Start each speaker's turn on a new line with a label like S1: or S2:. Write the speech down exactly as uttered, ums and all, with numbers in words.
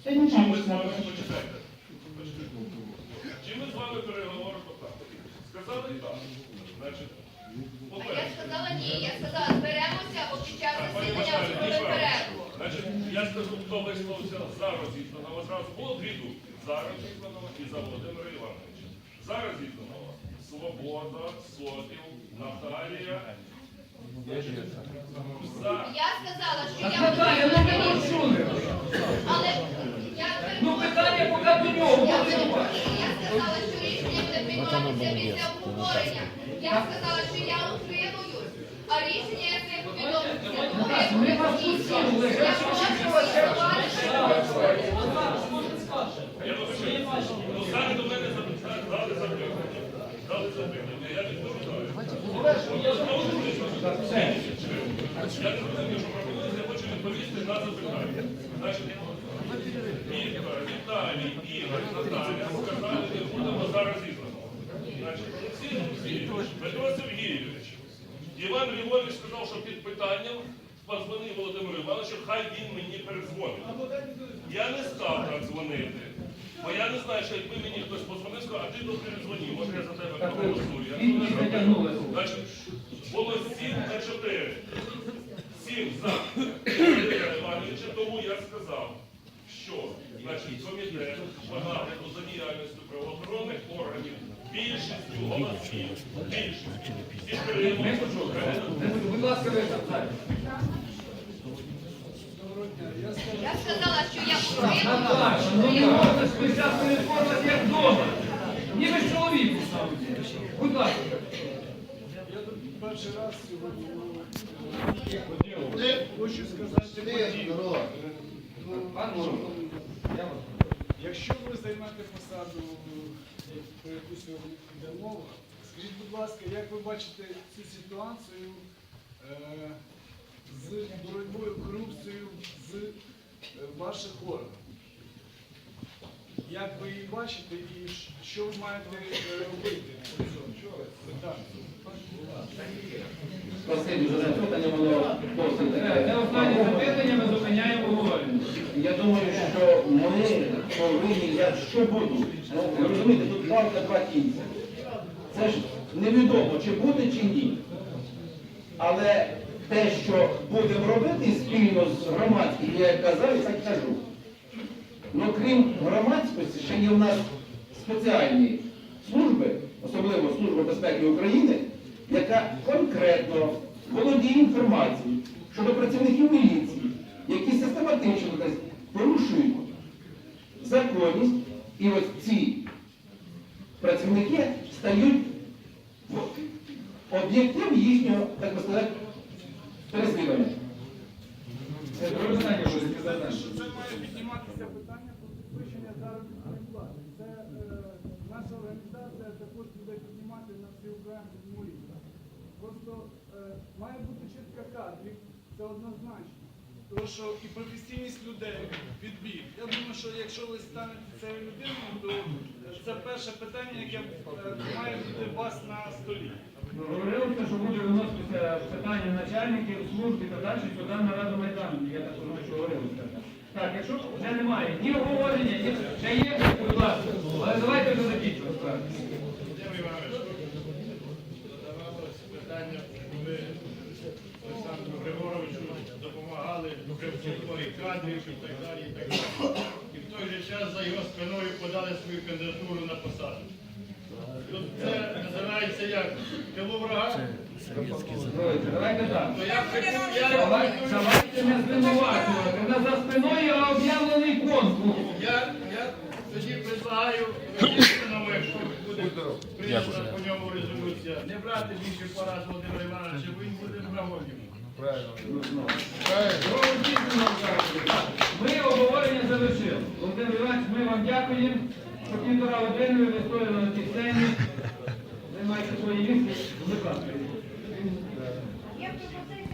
S1: Чи ми з вами, почитайте, чи ми з вами переговоримо так? Сказали так. Значить,
S2: а я сказала ні, я сказала, зберемося, бо під час засідання зробили перерву.
S1: Значить, я скажу, хто висловився за Розізнанова. Зразу було дві думки. За Розізнанова і за Володимира Івановича. За Розізнанова. Свобода, Сотів, Наталія. За.
S2: Я сказала, що я
S3: Наталія, ну ви почули.
S2: але я
S3: Ну питання поки до нього.
S2: Я сказала, що рішення буде прийматися після обговорення. Я сказала, що я утримуюсь, а рішення я це повідомлю.
S3: Ми вас пустили.
S2: Я прошу голосувати.
S1: Я вибачаю. Ну, зараз до мене запитали, дали запитання. Дали запитання. Я відповідаю. Я знову ж таки, я не розумію, що пропонується, я хочу відповісти на запитання. Значить, Віктор, Віталій, Ігор, Наталія сказали, не будемо зараз ізнаного. Значить, Олексій Олексійович, Петро Сергійович, Іван Львович сказав, що під питанням подзвонив Володимиру Івановичу, хай він мені передзвонить. Я не став так дзвонити, бо я не знаю, що якби мені хтось подзвонив, сказав, а ти тут передзвонив, може я за тебе проголосую. Я не знаю. Значить, було сім на чотири. Сім за Володимира Івановича, тому я сказав, що значить, комітет по нагляду за діяльністю правоохоронних органів більшістю голосів, більшістю підтримує.
S3: Будь ласка, ви там.
S2: Я сказала, що я
S3: Наташа, ну не
S2: утримуюсь.
S3: можна спочатку реформувати як вдома. Ніби ж чоловік сам. Будь ласка.
S4: Я тут перший раз сьогодні хочу сказати подію. Якщо ви займете посаду, про яку сьогодні йде мова, скажіть, будь ласка, як ви бачите цю ситуацію е, з боротьбою корупцією з е, ваших органів? Як ви її бачите і що ви маєте робити по цьому питанню?
S5: Спасибі за запитання, воно досить таке.
S3: Це останнє запитання, ми зупиняємо обговорення.
S5: Я думаю, що ми повинні, я що буду, ну, ви розумієте, тут палка два кінця. Це ж невідомо, чи буде, чи ні. Але те, що будемо робити спільно з громадським, я як казав, і так кажу. Ну, крім громадськості, ще є в нас спеціальні служби, особливо Служба безпеки України, яка конкретно володіє інформацією щодо працівників міліції, які систематично десь порушують законність, і ось ці працівники стають об'єктом їхнього, так би сказати, переслідування.
S3: Це друге питання, що ви сказали.
S4: Що це має підніматися питання про підвищення заробітної плати. Це е, наша організація також буде піднімати на всеукраїнському рівні. Просто е, має бути чистка кадрів, це однозначно. Тому що і професійність людей, відбір. Я думаю, що якщо ви станете цією людиною, то це перше питання, яке е, має бути у вас на столі.
S3: Говорилося, що буде виноситися питання начальників, служб і так далі, сюди на Раду Майдану. Я так розумію, що говорилося. Так, якщо вже немає ні обговорення, ні ще є, будь ласка. Але давайте вже закінчимо справу.
S6: Володимир Іванович, задавалося питання, коли Олександру Григоровичу допомагали при підборі кадрів і так далі, і так далі. І в той же час за його спиною подали свою кандидатуру на посаду. Тут це називається як? Тилу врага?
S3: Давайте так.
S6: То я хотів, я
S3: Давайте не звинувачувати. У нас за спиною об'явлений конкурс.
S6: Я, я тоді предлагаю Російському, якщо буде прийнята по ньому резолюція, не брати більше порад Володимира Івановича, бо він буде врагом йому.
S3: Ми обговорення завершили. Володимир Іванович, ми вам дякуємо, що півтора години ви стояли на цій сцені. Займайте свої місця. Будь ласка.
S2: Є пропозиція.